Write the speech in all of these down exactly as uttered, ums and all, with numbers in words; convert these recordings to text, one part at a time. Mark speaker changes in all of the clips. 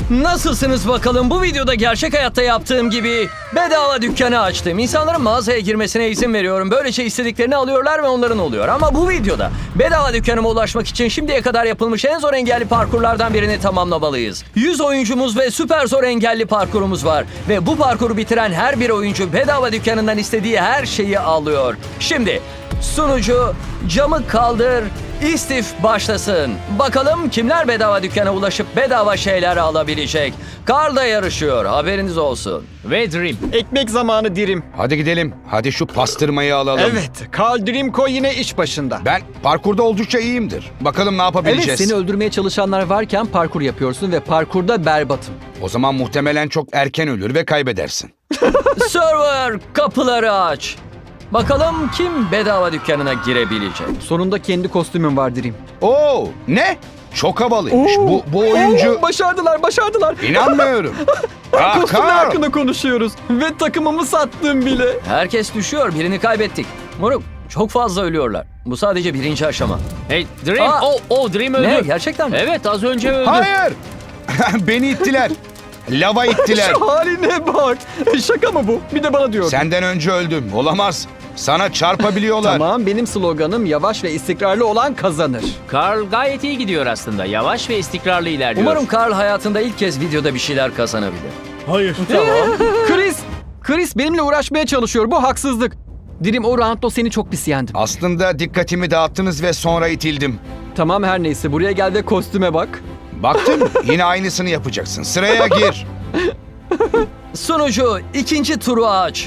Speaker 1: Nasılsınız bakalım? Bu videoda gerçek hayatta yaptığım gibi bedava dükkanı açtım. İnsanların mağazaya girmesine izin veriyorum. Böylece istediklerini alıyorlar ve onların oluyor. Ama bu videoda bedava dükkanıma ulaşmak için şimdiye kadar yapılmış en zor engelli parkurlardan birini tamamlamalıyız. yüz oyuncumuz ve süper zor engelli parkurumuz var. Ve bu parkuru bitiren her bir oyuncu bedava dükkanından istediği her şeyi alıyor. Şimdi sunucu camı kaldır, istif başlasın. Bakalım kimler bedava dükkana ulaşıp bedava şeyler alabilecek. Carl da yarışıyor, haberiniz olsun.
Speaker 2: Ve Dream.
Speaker 3: Ekmek zamanı Dirim.
Speaker 4: Hadi gidelim. Hadi şu pastırmayı alalım.
Speaker 3: Evet, Carl Dreamco yine iş başında.
Speaker 4: Ben parkurda oldukça iyiyimdir. Bakalım ne
Speaker 5: Evet,
Speaker 4: yapabileceğiz.
Speaker 5: seni öldürmeye çalışanlar varken parkur yapıyorsun ve parkurda berbatım.
Speaker 4: O zaman muhtemelen çok erken ölür ve kaybedersin.
Speaker 1: Server, kapıları aç. Bakalım kim bedava dükkanına girebilecek.
Speaker 5: Sonunda kendi kostümün var Dream.
Speaker 4: Oo, ne? Çok havalıymış.
Speaker 5: Oo.
Speaker 4: Bu, bu oyuncu...
Speaker 5: Oo, başardılar, başardılar.
Speaker 4: İnanmıyorum. Ah,
Speaker 5: Kostümler
Speaker 4: Carl!
Speaker 5: hakkında konuşuyoruz. Ve takımımı sattım bile.
Speaker 1: Herkes düşüyor, birini kaybettik. Moruk, çok fazla ölüyorlar. Bu sadece birinci aşama.
Speaker 2: Hey Dream.
Speaker 1: Aa!
Speaker 2: Oh, oh Dream öldü.
Speaker 1: Ne, gerçekten mi?
Speaker 2: Evet, az önce öldü.
Speaker 4: Hayır! Beni ittiler. Lava ittiler.
Speaker 5: Şu haline bak. Şaka mı bu? Bir de bana diyor.
Speaker 4: Senden önce öldüm. Olamaz. Sana çarpabiliyorlar.
Speaker 5: Tamam, benim sloganım yavaş ve istikrarlı olan kazanır.
Speaker 2: Carl gayet iyi gidiyor aslında. Yavaş ve istikrarlı ilerliyor.
Speaker 1: Umarım Carl hayatında ilk kez videoda bir şeyler kazanabilir.
Speaker 5: Chris, Chris benimle uğraşmaya çalışıyor. Bu haksızlık. Dream, o roundda seni çok pis yendim.
Speaker 4: Aslında dikkatimi dağıttınız ve sonra itildim.
Speaker 5: Tamam, her neyse. Buraya gel ve kostüme bak.
Speaker 4: Baktın mı? Yine aynısını yapacaksın. Sıraya gir.
Speaker 1: Sunucu, ikinci turu aç.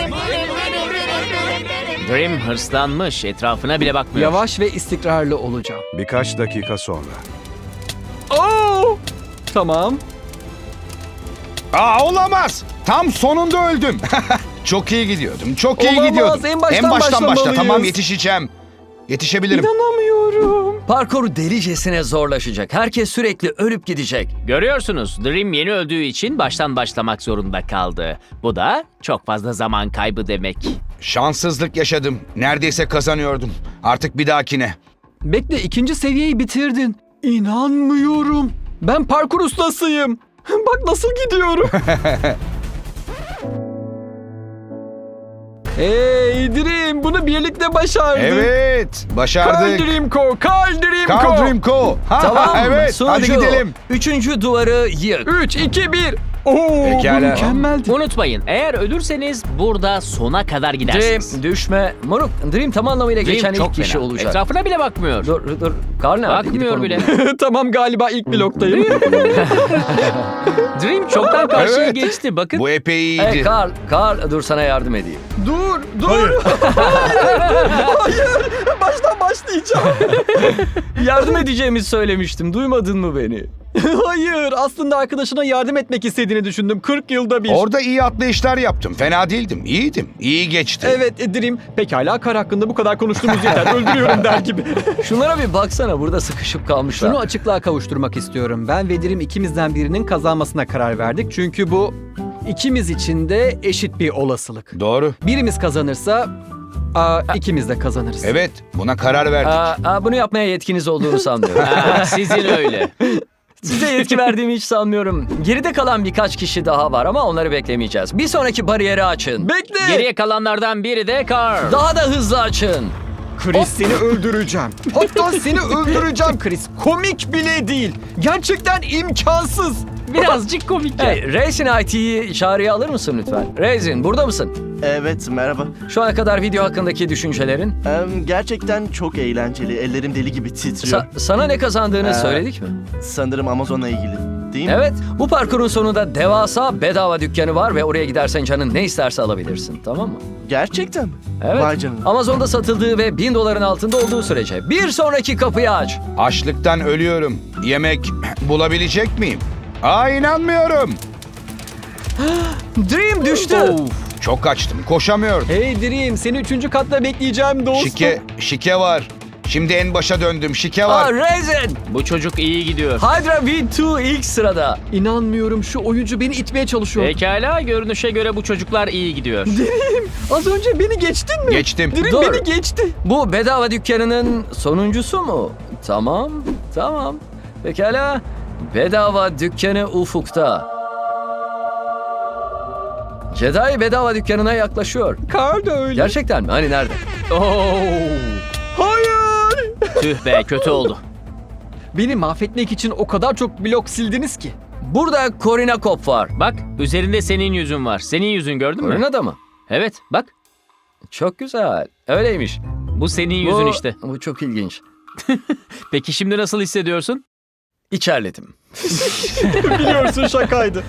Speaker 2: Dream hırslanmış. Etrafına bile bakmıyor.
Speaker 5: Yavaş ve istikrarlı olacağım.
Speaker 6: Birkaç dakika sonra.
Speaker 5: Oo! Tamam.
Speaker 4: Aa, olamaz. Tam sonunda öldüm. Çok iyi gidiyordum. Çok iyi
Speaker 5: Olamaz,
Speaker 4: gidiyordum.
Speaker 5: en baştan
Speaker 4: başla.
Speaker 5: başlamalıyız.
Speaker 4: Tamam, yetişeceğim. Yetişebilirim.
Speaker 5: İnanamıyorum.
Speaker 1: Parkur delicesine zorlaşacak. Herkes sürekli ölüp gidecek.
Speaker 2: Görüyorsunuz, Dream yeni öldüğü için baştan başlamak zorunda kaldı. Bu da çok fazla zaman kaybı demek.
Speaker 4: Şanssızlık yaşadım. Neredeyse kazanıyordum. Artık bir dahakine.
Speaker 5: Bekle, ikinci seviyeyi bitirdin. İnanmıyorum. Ben parkur ustasıyım. Bak nasıl gidiyorum. Hey Dream, bunu birlikte başardık.
Speaker 4: Evet,
Speaker 5: Carl
Speaker 4: başardık.
Speaker 5: Dreamco, Carl Dreamco.
Speaker 4: Carl Dreamco. Ha,
Speaker 1: Tamam,
Speaker 4: evet.
Speaker 1: sunucu,
Speaker 4: Hadi gidelim.
Speaker 1: Üçüncü duvarı yık.
Speaker 5: üç, iki, bir. Oo,
Speaker 4: Pekala.
Speaker 5: bu mükemmeldi.
Speaker 2: Unutmayın, eğer ölürseniz burada sona kadar gidersiniz.
Speaker 1: Dream, düşme. Moruk, Dream tam anlamıyla
Speaker 2: Dream
Speaker 1: geçen
Speaker 2: çok
Speaker 1: ilk kişi
Speaker 2: fena.
Speaker 1: olacak.
Speaker 2: Etrafına bile bakmıyor.
Speaker 1: Dur, dur. Carl nerede? Gidip
Speaker 2: Bakmıyor
Speaker 1: onu
Speaker 2: bile.
Speaker 1: bul.
Speaker 5: Tamam, galiba ilk bloktayım.
Speaker 2: Dream çoktan karşıya
Speaker 4: Evet.
Speaker 2: geçti. Bakın.
Speaker 4: Bu epey iyiydi.
Speaker 1: Hey Carl, Carl dur sana yardım edeyim.
Speaker 5: dur, dur. Hayır. Hayır. Baştan başlayacağım.
Speaker 1: Yardım edeceğimi söylemiştim. Duymadın mı beni?
Speaker 5: Hayır. Aslında arkadaşına yardım etmek istediğini düşündüm. kırk yılda bir.
Speaker 4: Orada iyi atlayışlar yaptım. Fena değildim. İyiydim. İyi geçti.
Speaker 5: Evet Dream. Pekala, kar hakkında bu kadar konuştuğumuz yeter. Öldürüyorum der gibi.
Speaker 1: Şunlara bir baksana, burada sıkışıp kalmışlar.
Speaker 5: Şunu açıklığa kavuşturmak istiyorum. Ben ve Dream ikimizden birinin kazanmasına karar verdik. Çünkü bu ikimiz için de eşit bir olasılık.
Speaker 4: Doğru.
Speaker 5: Birimiz kazanırsa aa, ikimiz de kazanırız.
Speaker 4: Evet, buna karar verdik.
Speaker 1: Aa, aa, bunu yapmaya yetkiniz olduğunu sanmıyorum.
Speaker 2: Ha, sizin öyle.
Speaker 1: Size yetki verdiğimi hiç sanmıyorum. Geride kalan birkaç kişi daha var ama onları beklemeyeceğiz. Bir sonraki bariyeri açın.
Speaker 5: Bekle.
Speaker 2: Geriye kalanlardan biri de Carl.
Speaker 1: Daha da hızlı açın.
Speaker 5: Chris, seni öldüreceğim. Hatta seni öldüreceğim Chris. Komik bile değil. Gerçekten imkansız.
Speaker 2: Birazcık komik.
Speaker 1: Hey, Raisin I T'yi çağrıya alır mısın lütfen? Raisin, burada mısın?
Speaker 7: Evet, merhaba.
Speaker 1: Şu ana kadar video hakkındaki düşüncelerin?
Speaker 7: Em, gerçekten çok eğlenceli. Ellerim deli gibi titriyor.
Speaker 1: Sa- sana ne kazandığını
Speaker 7: Ee,
Speaker 1: söyledik mi?
Speaker 7: Sanırım Amazon'la ilgili. Değil mi?
Speaker 1: Evet, bu parkurun sonunda devasa bedava dükkanı var ve oraya gidersen canın ne isterse alabilirsin, tamam mı?
Speaker 7: Gerçekten mi?
Speaker 1: Evet.
Speaker 7: Vay canına.
Speaker 1: Amazon'da satıldığı ve bin doların altında olduğu sürece. Bir sonraki kapıyı aç.
Speaker 4: Açlıktan ölüyorum. Yemek bulabilecek miyim? Aa, inanmıyorum.
Speaker 1: Dream düştü.
Speaker 4: Çok açtım. Koşamıyorum.
Speaker 5: Hey Dream, seni üçüncü katta bekleyeceğim dostum.
Speaker 4: Şike, şike var. Şimdi en başa döndüm. Şike
Speaker 1: Aa,
Speaker 4: var.
Speaker 1: Raisin.
Speaker 2: Bu çocuk iyi gidiyor.
Speaker 1: Hydra V iki ilk sırada.
Speaker 5: İnanmıyorum, şu oyuncu beni itmeye çalışıyor.
Speaker 2: Pekala, görünüşe göre bu çocuklar iyi gidiyor.
Speaker 5: Az önce beni geçtin mi?
Speaker 4: Geçtim.
Speaker 5: Dream
Speaker 1: Dur.
Speaker 5: beni geçti.
Speaker 1: Bu bedava dükkanının sonuncusu mu? Tamam, tamam. Pekala. Bedava dükkanı ufukta. Jedi bedava dükkanına yaklaşıyor.
Speaker 5: Carl da öyle.
Speaker 1: Gerçekten mi? Hani nerede?
Speaker 5: Hayır.
Speaker 2: Tüh be, kötü oldu.
Speaker 5: Beni mahvetmek için o kadar çok blok sildiniz ki.
Speaker 1: Burada Corina Cop var.
Speaker 2: Bak, üzerinde senin yüzün var. Senin yüzün gördün mü?
Speaker 1: Corina'da mı?
Speaker 2: Evet, bak.
Speaker 1: Çok güzel. Öyleymiş.
Speaker 2: Bu senin yüzün
Speaker 1: bu,
Speaker 2: işte.
Speaker 1: Bu çok ilginç.
Speaker 2: Peki şimdi nasıl hissediyorsun?
Speaker 1: İçerledim.
Speaker 3: Biliyorsun şakaydı.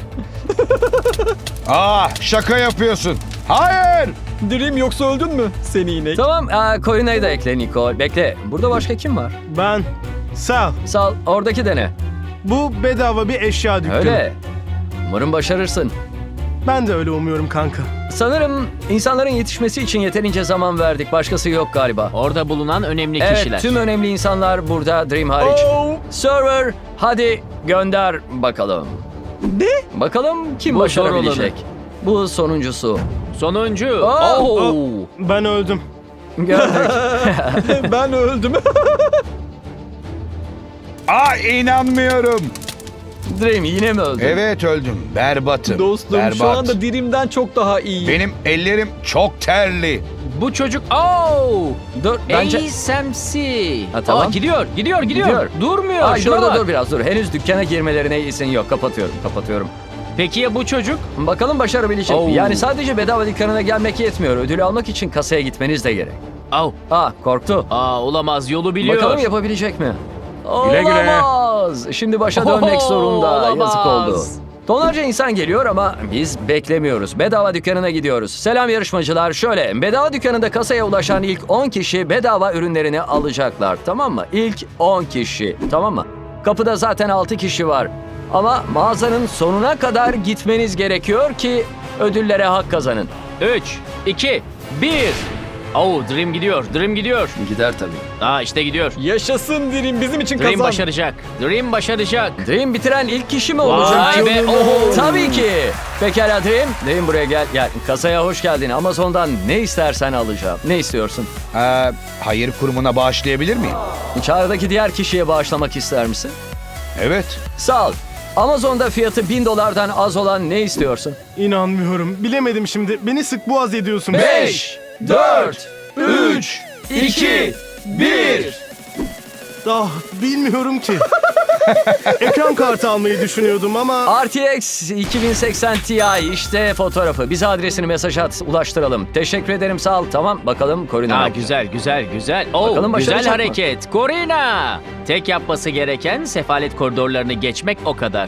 Speaker 4: Ah, şaka yapıyorsun. Hayır.
Speaker 3: Dream yoksa öldün mü? Seni inek.
Speaker 1: Tamam, aa, Corina'yı da ekle Nicole. Bekle. Burada başka kim var?
Speaker 6: Ben. Sağ ol.
Speaker 1: Sal, oradaki dene.
Speaker 6: Bu bedava bir eşya dükkanı.
Speaker 1: Öyle. Umarım başarırsın.
Speaker 6: Ben de öyle umuyorum kanka.
Speaker 1: Sanırım insanların yetişmesi için yeterince zaman verdik. Başkası yok galiba.
Speaker 2: Orada bulunan önemli
Speaker 1: Evet,
Speaker 2: kişiler.
Speaker 1: tüm önemli insanlar burada, Dream hariç.
Speaker 3: Oh.
Speaker 1: Server, hadi gönder bakalım.
Speaker 3: Ne?
Speaker 1: Bakalım kim
Speaker 2: Bu
Speaker 1: başarabilecek. Bu sonuncusu.
Speaker 2: Sonuncu.
Speaker 1: Oh!
Speaker 2: Oh!
Speaker 6: Ben öldüm.
Speaker 1: Gördük.
Speaker 3: Ben öldüm.
Speaker 4: Ah, inanmıyorum.
Speaker 1: Dream yine mi öldü?
Speaker 4: Evet öldüm. Berbatım.
Speaker 3: Dostum
Speaker 4: Berbat.
Speaker 3: şu anda Dream'den çok daha iyi.
Speaker 4: Benim ellerim çok terli.
Speaker 2: Bu çocuk... Oh!
Speaker 1: Dur, bence...
Speaker 2: A S M C.
Speaker 1: Ha, tamam.
Speaker 2: Aa, gidiyor, gidiyor, gidiyor,
Speaker 1: Gidiyor.
Speaker 2: Durmuyor.
Speaker 1: Ay,
Speaker 2: Şuna
Speaker 1: dur,
Speaker 2: bak.
Speaker 1: dur dur biraz dur. Henüz dükkana girmelerine izin yok. Kapatıyorum, kapatıyorum.
Speaker 2: Peki ya bu çocuk?
Speaker 1: Bakalım başarabilecek mi?
Speaker 2: Oh.
Speaker 1: Yani sadece bedava dükkanına gelmek yetmiyor. Ödülü almak için kasaya gitmeniz de gerek.
Speaker 2: Oh.
Speaker 1: Ah, korktu.
Speaker 2: Aa, olamaz, yolu biliyor.
Speaker 1: Bakalım yapabilecek mi?
Speaker 4: Güle güle.
Speaker 1: Olamaz. Şimdi başa dönmek
Speaker 2: Oho,
Speaker 1: zorunda.
Speaker 2: olamaz.
Speaker 1: Yazık oldu. Tonlarca insan geliyor ama biz beklemiyoruz. Bedava dükkanına gidiyoruz. Selam yarışmacılar. Şöyle, bedava dükkanında kasaya ulaşan ilk on kişi bedava ürünlerini alacaklar. Tamam mı? İlk on kişi. Tamam mı? Kapıda zaten altı kişi var. Ama mağazanın sonuna kadar gitmeniz gerekiyor ki ödüllere hak kazanın.
Speaker 2: Üç, iki, bir. Oh, Dream gidiyor, Dream gidiyor.
Speaker 1: Gider tabii.
Speaker 2: Aa, işte gidiyor.
Speaker 3: Yaşasın Dream bizim için
Speaker 2: Dream
Speaker 3: kazan.
Speaker 2: başaracak. Dream başaracak.
Speaker 1: Dream bitiren ilk kişi mi olacak?
Speaker 2: Vay be, oho.
Speaker 1: Tabii ki. Pekala Dream. Dream buraya gel. Gel. Kasaya hoş geldin. Amazon'dan ne istersen alacağım. Ne istiyorsun?
Speaker 4: Ee, hayır kurumuna bağışlayabilir miyim?
Speaker 1: Çağrıdaki diğer kişiye bağışlamak ister misin?
Speaker 4: Evet.
Speaker 1: Sağ ol. Amazon'da fiyatı bin dolardan az olan ne istiyorsun?
Speaker 6: İnanmıyorum. Bilemedim şimdi. Beni sık boğaz ediyorsun.
Speaker 1: Beş, dört, üç, iki, bir.
Speaker 6: Ah, bilmiyorum ki. Ekran kartı almayı düşünüyordum ama...
Speaker 1: R T X iki bin seksen Ti işte fotoğrafı. Bize adresini mesaj at, ulaştıralım. Teşekkür ederim, sağ ol. Tamam, bakalım Corina.
Speaker 2: Aa,
Speaker 1: ne yapacak?
Speaker 2: güzel, güzel, güzel. Oh,
Speaker 1: Bakalım başaracak
Speaker 2: güzel
Speaker 1: mı?
Speaker 2: hareket. Corina. Tek yapması gereken sefalet koridorlarını geçmek o kadar.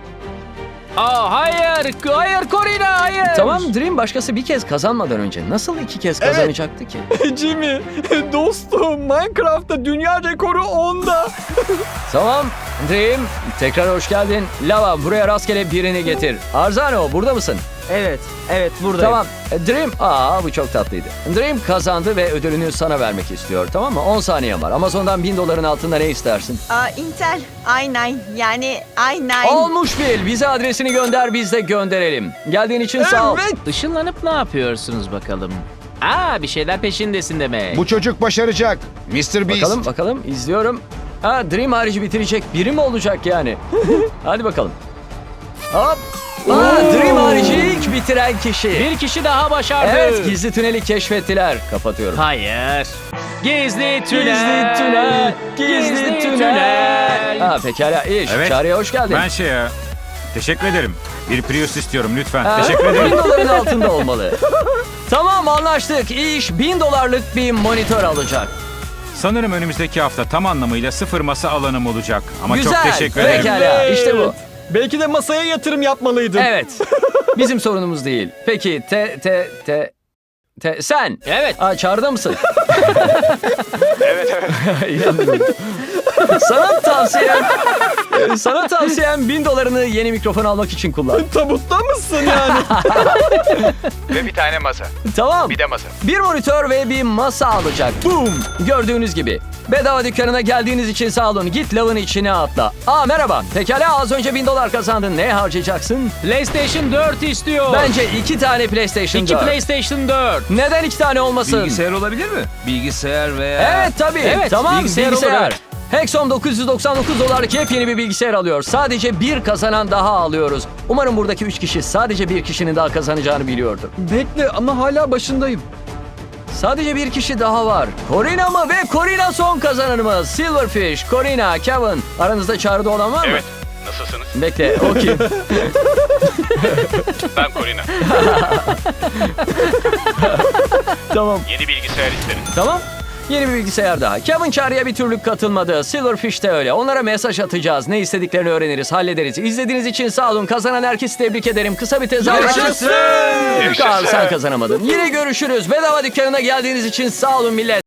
Speaker 2: Aa, hayır, hayır Corina, hayır.
Speaker 1: Tamam Dream başkası bir kez kazanmadan önce nasıl iki kez kazanacaktı ki?
Speaker 3: Jimmy dostum Minecraft'ta dünya rekoru onda.
Speaker 1: Tamam Dream tekrar hoş geldin. Lava buraya rastgele birini getir. Arzano burada mısın?
Speaker 8: Evet, evet buradayım.
Speaker 1: Tamam Dream, aa bu çok tatlıydı. Dream kazandı ve ödülünü sana vermek istiyor, tamam mı? on saniye var. Amazon'dan bin doların altında ne istersin?
Speaker 9: Aa, Intel i dokuz yani i dokuz.
Speaker 1: Olmuş bil. Bize adresini gönder, biz de gönderelim. Geldiğin için sağ ol.
Speaker 2: Işınlanıp ne yapıyorsunuz bakalım? Aa, bir şeyler peşindesin demek.
Speaker 4: Bu çocuk başaracak. mister Beast.
Speaker 1: Bakalım bakalım izliyorum. Ha Dream harici bitirecek biri mi olacak yani? Hadi bakalım. Hop. Aa, Dream harici ilk bitiren kişi.
Speaker 2: Bir kişi daha başardı.
Speaker 1: Evet, gizli tüneli keşfettiler. Kapatıyorum.
Speaker 2: Hayır. Gizli tünel.
Speaker 1: Gizli tünel. Gizli tünel. Ha pekala iş.
Speaker 10: Evet.
Speaker 1: Çağrı'ya hoş geldin.
Speaker 10: Ben şey ya, teşekkür ederim. Bir Prius istiyorum lütfen.
Speaker 1: Ha,
Speaker 10: Teşekkür ederim.
Speaker 1: bin doların altında olmalı. Tamam anlaştık. İş bin dolarlık bir monitör alacak.
Speaker 10: Sanırım önümüzdeki hafta tam anlamıyla sıfır masa alanım olacak. Ama
Speaker 1: Güzel.
Speaker 10: çok teşekkür ederim.
Speaker 1: Pekala işte bu.
Speaker 3: Belki de masaya yatırım yapmalıydın.
Speaker 1: Evet. Bizim sorunumuz değil. Peki te te te te sen.
Speaker 2: Evet.
Speaker 1: Aa, çağrıda mısın? evet evet. Sana tavsiyem sana tavsiyem bin dolarını yeni mikrofon almak için kullan.
Speaker 3: Tabutta mısın yani?
Speaker 4: Ve bir tane masa.
Speaker 1: Tamam.
Speaker 4: Bir de masa.
Speaker 1: Bir monitör ve bir masa alacak. Boom. Gördüğünüz gibi. Bedava dükkanına geldiğiniz için sağ olun. Git lavın içine atla. Aa merhaba. Pekala az önce bin dolar kazandın. Ne harcayacaksın?
Speaker 2: PlayStation dört istiyor.
Speaker 1: Bence iki tane PlayStation
Speaker 2: İki
Speaker 1: dört.
Speaker 2: PlayStation dört.
Speaker 1: Neden iki tane olmasın?
Speaker 4: olabilir mi? Bilgisayar veya...
Speaker 1: Evet tabii.
Speaker 2: Evet,
Speaker 1: tamam
Speaker 2: bilgisayar
Speaker 1: bilgisayar.
Speaker 2: olur, evet.
Speaker 1: Hexom dokuz yüz doksan dokuz dolarlık yepyeni bir bilgisayar alıyor. Sadece bir kazanan daha alıyoruz. Umarım buradaki üç kişi sadece bir kişinin daha kazanacağını biliyordur.
Speaker 5: Bekle ama hala başındayım.
Speaker 1: Sadece bir kişi daha var. Corina mı? Ve Corina son kazananımız. Silverfish, Corina, Kevin. Aranızda çağrıda olan var mı?
Speaker 11: Evet. Nasılsınız?
Speaker 1: Bekle, o kim?
Speaker 11: Ben Corina.
Speaker 1: Tamam.
Speaker 11: Yeni bilgisayar isterim.
Speaker 1: Tamam. Yeni bir bilgisayar daha. Kevin çağrıya bir türlü katılmadı. Silverfish de öyle. Onlara mesaj atacağız. Ne istediklerini öğreniriz, hallederiz. İzlediğiniz için sağ olun. Kazanan herkesi tebrik ederim. Kısa bir tezahürat.
Speaker 11: Yaşasın!
Speaker 1: Kaan, sen kazanamadın. Yine görüşürüz. Bedava dükkanına geldiğiniz için sağ olun millet.